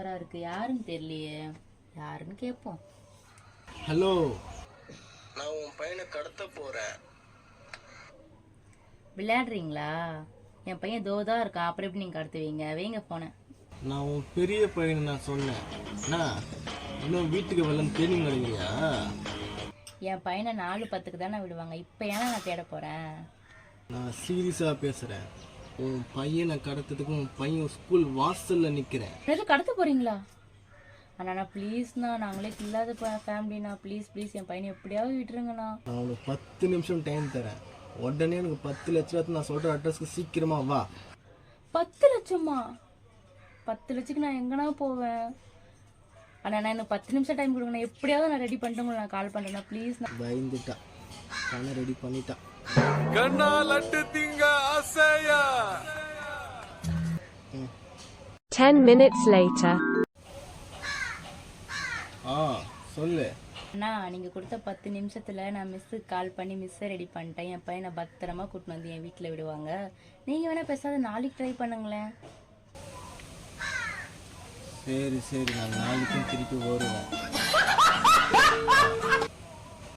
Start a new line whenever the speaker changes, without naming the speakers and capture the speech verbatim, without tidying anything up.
நம்பரா இருக்கு, யாருன்னு தெரியலையே. யாருன்னு கேட்போம்.
ஹலோ,
நான் உன் பையனை கடத்த போறேன்.
விளையாடுறீங்களா? என் பையன் தோதான் இருக்கான், அப்புறம் எப்படி நீங்க கடத்துவீங்க? வைங்க போனேன்.
நான் உன் பெரிய பையனை நான் சொன்னேன். அண்ணா, இன்னும் வீட்டுக்கு வரலன்னு தேடி கிடைக்கிறியா?
என் பையனை நாலு பத்துக்கு தானே விடுவாங்க, இப்போ ஏன்னா நான் தேட போறேன்.
நான் சீரியஸாக பேசுகிறேன். உன் பையனை கடத்துறதுக்கு உன் பையன் ஸ்கூல் வாசலில் நிற்கிறேன்.
எதுவும் கடத்த போறீங்களா? அண்ணா ப்ளீஸ்ண்ணா, நாங்களே இல்லாத ஃபேமிலிண்ணா, ப்ளீஸ் ப்ளீஸ் என் பையனை எப்படியாவது விட்டுருங்கண்ணா.
நான் உனக்கு பத்து நிமிஷம் டைம் தரேன். உடனே எனக்கு பத்து லட்சம் நான் சொல்கிற அட்ரஸ்க்கு சீக்கிரமா வா.
பத்து லட்சமா? பத்து லட்சத்துக்கு நான் எங்கண்ணா போவேன்? அண்ணா நான் எனக்கு பத்து நிமிஷம் டைம் கொடுங்கண்ணா, எப்படியாவது நான் ரெடி பண்ணிட்டு உங்களுக்கு நான் கால் பண்ணுறேண்ணா ப்ளீஸ்ண்ணா.
பயந்துட்டா, பணம் ரெடி பண்ணிட்டான்.
கண்ணா லட்டு திங்க ஆசையா.
ten minutes later.
ஆ சொல்லு.
அண்ணா நீங்கள் கொடுத்த பத்து நிமிஷத்தில் நான் மிஸ்ஸுக்கு கால் பண்ணி மிஸ்ஸை ரெடி பண்ணிட்டேன். என் பையனை பத்திரமா கூட்டின்னு வந்து என் வீட்டில் விடுவாங்க. நீங்கள் வேணால் பேசாத நாளைக்கு ட்ரை பண்ணுங்களேன்.
சரி சரி, நான் நாளைக்கும் திருப்பி வருவேன்.